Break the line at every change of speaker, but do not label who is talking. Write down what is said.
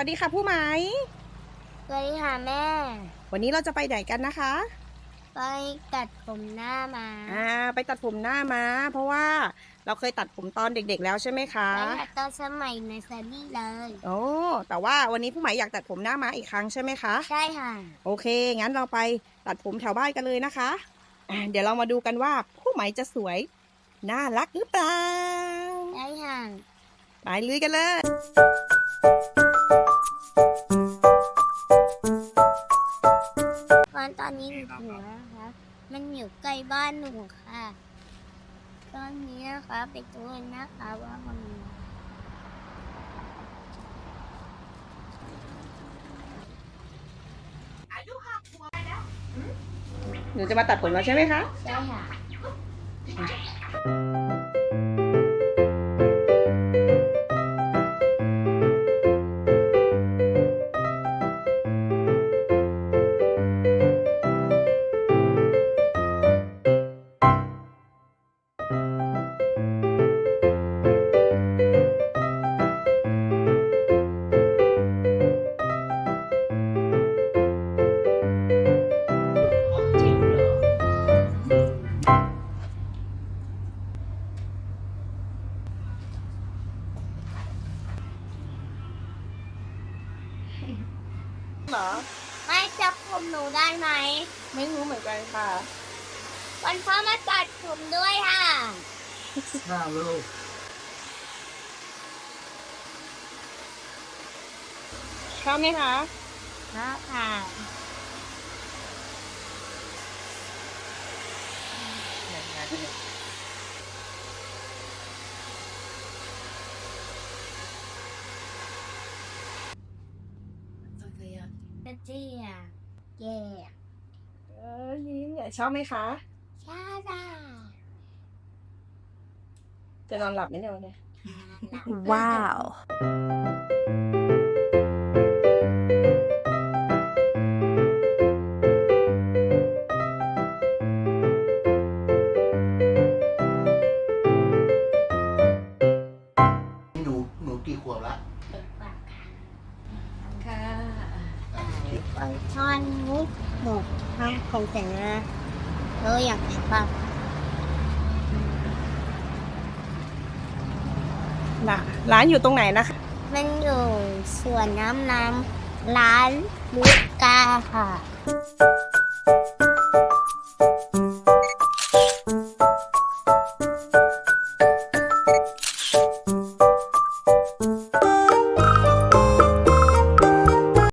ดีค่ะผู้ไหม
สวัสดีค่ะแม่
วันนี้เราจะไปไหนกันนะคะ
ไปตัดผมหน้ามา
ไปตัดผมหน้าม้าเพราะว่าเราเคยตัดผมตอนเด็กๆแล้วใช่ไหมคะ
ไปตัดตอนสมัยในเซอรี่เลย
โอ้แต่ว่าวันนี้ผู้ไหมอยากตัดผมหน้าม้าอีกครั้งใช่ไหมคะ
ใช่ค่ะ
โอเคงั้นเราไปตัดผมแถวบ้านกันเลยนะคะเดี๋ยวเรามาดูกันว่าผู้ไหมจะสวยน่ารักหรือเปล่า
ใช่ค่ะ
ไปลุยกันเลย
ตอนนี้หนูถึงแล้วนะคะมันอยู่ใกล้บ้านหนูค่ะ ตอนนี้นะคะไปดูกันนะคะว่ามันมี
หนูจะมาตัดผมแล้วใช่ไหมคะ
ใช่ค่ะ
เหรอ
ไม่จับผมหนูได้ไหม
ไม่รู้เหมือนกันค่ะ
วันพ่อมาตัดผมด้วยค่ะ
ลูก
ชอบไหมคะ
ค่ะ กระเจี๊ยบแย่
ยิ้มเนี่ยชอบไหมคะ
ชาดา
จะนอนหลับไหมเนี่ยวันนี้
Wow.
หนูกี่ขวบละ
ค่ะ
ตอนนี้หนูทำของแต่งนะเราอยากฟัง
ร้านอยู่ตรงไหนนะคะ
มันอยู่สวนน้ำร้านลูกกาค่ะ